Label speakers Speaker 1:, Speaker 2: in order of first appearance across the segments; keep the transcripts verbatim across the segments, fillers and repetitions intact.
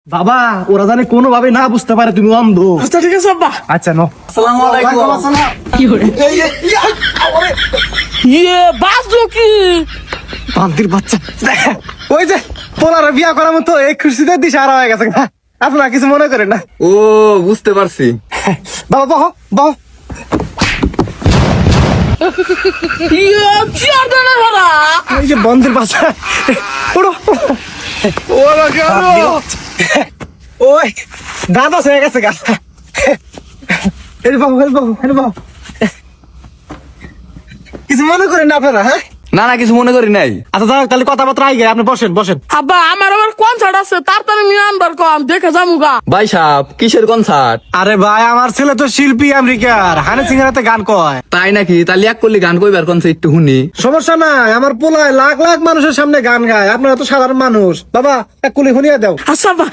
Speaker 1: বাবা ওরা জানে কোনো ভাবে না বুঝতে পারে তুমি অন্ধ।
Speaker 2: আচ্ছা ঠিক আছে আব্বা।
Speaker 1: আচ্ছা নো
Speaker 2: আসসালামু আলাইকুম।
Speaker 1: কি করে
Speaker 2: ইয়ে বাজো কি
Speaker 1: বান্দির বাচ্চা ওই যে পোলার বিয়া করার মতো এই খুশিতে দিশা হারা হয়ে গেছে না, আপনারা কিছু মনে করেন না।
Speaker 3: ও বুঝতে পারছি।
Speaker 1: বাবা বহ বহ
Speaker 2: ইয়ে চিয়ার দেনা ধরা
Speaker 1: এই যে বন্দির বাচ্চা ওড়ো
Speaker 3: ওরা কেন?
Speaker 1: ওই দাদা হয়ে গেছে গা। এই বাবু এই বাবু এই বাবু কিছু মনে করেন না আপনারা? হ্যাঁ
Speaker 3: না না কিছু মনে করি নাই।
Speaker 1: আচ্ছা যাক তাহলে কথাবার্তা আই গে, আপনি বসেন বসেন।
Speaker 2: আব্বা আমার আবার কনসার্ট আছে তাড়াতাড়ি নিয়ে আনবার কম দেখে যামুগা।
Speaker 3: ভাই সাহেব কিসের কনসার্ট?
Speaker 1: আরে ভাই আমার ছেলে তো শিল্পী আমেরিকার, হানি সিংহের হাতে গান কয়।
Speaker 3: তাই নাকি? তাহলে এক করলি গান কইবার কনসার্ট একটু শুনি।
Speaker 1: সমস্যা নাই, আমার পোলায় লাখ লাখ মানুষের সামনে গান গায়, আপনারা তো সাধারণ মানুষ। বাবা এক কুলি শুনিয়ে দাও।
Speaker 2: আচ্ছা আব্বা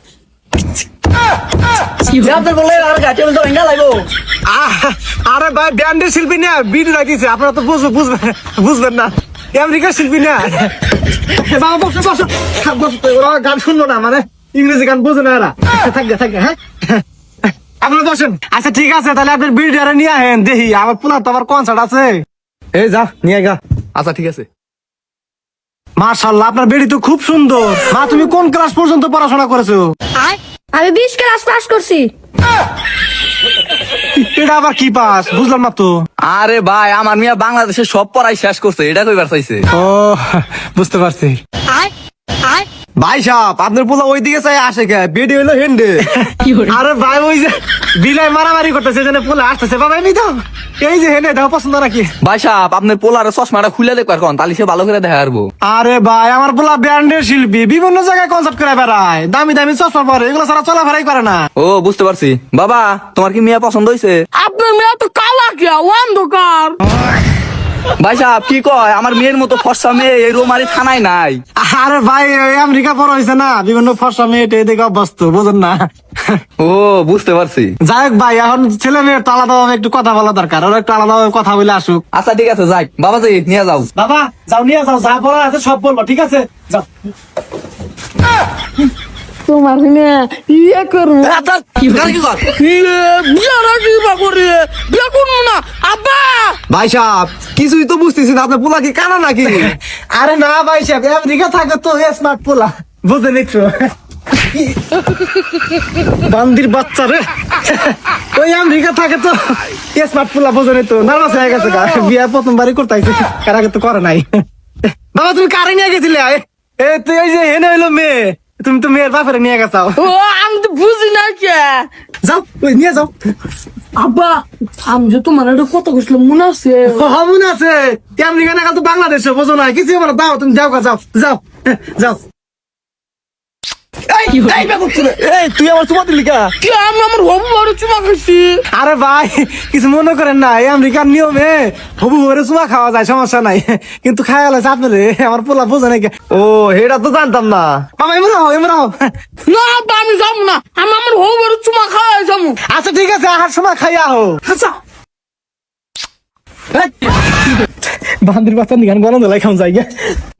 Speaker 1: আহ, আরে ভাই ব্যান্ডের শিল্পী না, বিট রাখিছে, আপনারা তো বুঝবেন বুঝবেন বুঝবেন না, আমেরিকার শিল্পী না। বাবা বসো বসো বসো, ওরা গান শুনবো না, মানে ইংরেজি গান বুঝে না এরা। থাকবে থাকবে হ্যাঁ আপনারা বসেন। আচ্ছা ঠিক আছে তাহলে আপনার বিডিআর নিয়ে আহেন, দেখি আমার পোলা তো আবার কনসার্ট আছে। এই যা নিয়ে গা।
Speaker 3: আচ্ছা ঠিক আছে।
Speaker 1: মাশাআল্লাহ আপনার বেড়ি তো খুব সুন্দর। মা তুমি কোন ক্লাস পর্যন্ত পড়াশোনা করেছো?
Speaker 4: আমি বিশ ক্লাস পাস করছি।
Speaker 1: এটা আবার কি পাস বুঝলাম না তো।
Speaker 3: আরে ভাই আমার মিয়া বাংলাদেশে সব পড়াই শেষ করছে, এটা কইবার চাইছে।
Speaker 1: ও বুঝতে পারছি। ভাই সাহেব আপনার পোলা ওইদিকে চাই আসে কে, বেডি হইলো হেন্ডে। আরে ভাই ওই যে বিলাই মারামারি করতেছে, যেন পোলা আসতেছে। বাবা এমনি দাও, এই যে হেনে দাও, পছন্দ নাকি?
Speaker 3: ভাই সাহেব আপনার পোলার চশমাটা খুলে দেখবার কোন, তাহলে সে ভালো করে দেখা পারবো।
Speaker 1: আরে ভাই আমার পোলা ব্যান্ডের শিল্পী, বিভিন্ন জায়গায় কনসার্ট করে বেড়ায়, দামি দামি চশমা পরে, এগুলো ছাড়া চলাফেরাই করে না।
Speaker 3: ও বুঝতে পারছি। বাবা তোমার কি মিয়া পছন্দ হয়েছে?
Speaker 2: আপনার মেয়ে তো কালা কে অন্ধকার।
Speaker 3: ভাই সাহেব কি কয়, আমার মেয়ের মতো ফর্সা মেয়ে এই রোমারি থানায় নাই।
Speaker 1: আরে ভাই ওই আমেরিকা বড় হয়েছে না, বিভিন্ন ফর্সা মেয়ে দেখে অভ্যস্ত, বুঝেন না।
Speaker 3: ও বুঝতে পারছি।
Speaker 1: যাই হোক ভাই এখন ছেলে মেয়ের তো আলাদাভাবে একটু কথা বলা দরকার, ওরা একটু আলাদাভাবে কথা বলে আসুক।
Speaker 3: আচ্ছা ঠিক আছে যাই, বাবাজি নিয়ে যাও।
Speaker 1: বাবা যাও নিয়ে যাও, যা বলা আছে সব বলবো, ঠিক আছে যাও।
Speaker 2: তোমার মেয়ে ইয়ে করবো
Speaker 3: আচ্ছা, গান কি কর?
Speaker 2: ইয়ে বিয়া রাখি বা করে বিয়া করবো না আব্বা।
Speaker 1: ভাই সাহেব কিছুই তো বুঝতেছি না, আপনার পোলা কি কানা নাকি? আরে না ভাই সাহেব আমেরিকা থাকে তো স্মার্ট পোলা, বুঝে নিচ্ছ। বান্দির বাচ্চা রে, ওই আমেরিকা থাকে তো স্মার্ট পোলা, বুঝে নিত। নার্ভাস হয়ে গেছে গা, বিয়া প্রথমবারই করতে আইছে, কার আগে তো করে নাই। বাবা তুমি কারে নিয়ে গেছিলে? এ তুই এই যে হেনে হইলো মেয়ে, তুমি তো মেয়ের বাপের নিয়ে গেছাও।
Speaker 2: ও আমি তো বুঝি না কে।
Speaker 1: যাও ওই নিয়ে যাও।
Speaker 2: আব্বা আমি যে তোমার একটা কথা কইছিলাম মনে আছে?
Speaker 1: মন আছে, আমেরিকা না তো বাংলাদেশে, বোঝো না কিছু বলো, দাও তুমি যাও গা, যাও যাও যাও। এই, এই বেকুব ছেলে, এই, তুই আমার চুমা দিলি কা?
Speaker 2: কি আমি আমার হবু বড় চুমা খাইছি।
Speaker 1: আরে ভাই কিছু মনে করেন না, এই আমেরিকার নিয়মে হবু বরে চুমা খাওয়া যায়, সমস্যা নাই, কিন্তু খাওয়া লাগছে আপনারে, আমার পোলা বোঝে নাকি। ও এটা তো জানতাম না। বাবা এমন হও এমন হও।
Speaker 2: না আব্বা আমি যাবো না, আমি আমার হবু বড় চুমা খাওয়াই যাবো।
Speaker 1: আচ্ছা ঠিক আছে, আহার সময় খাইয়া হো।
Speaker 2: আচ্ছা
Speaker 1: বান্দির বাচ্চা নিগান গরম দিলাই খাওয়া যায়।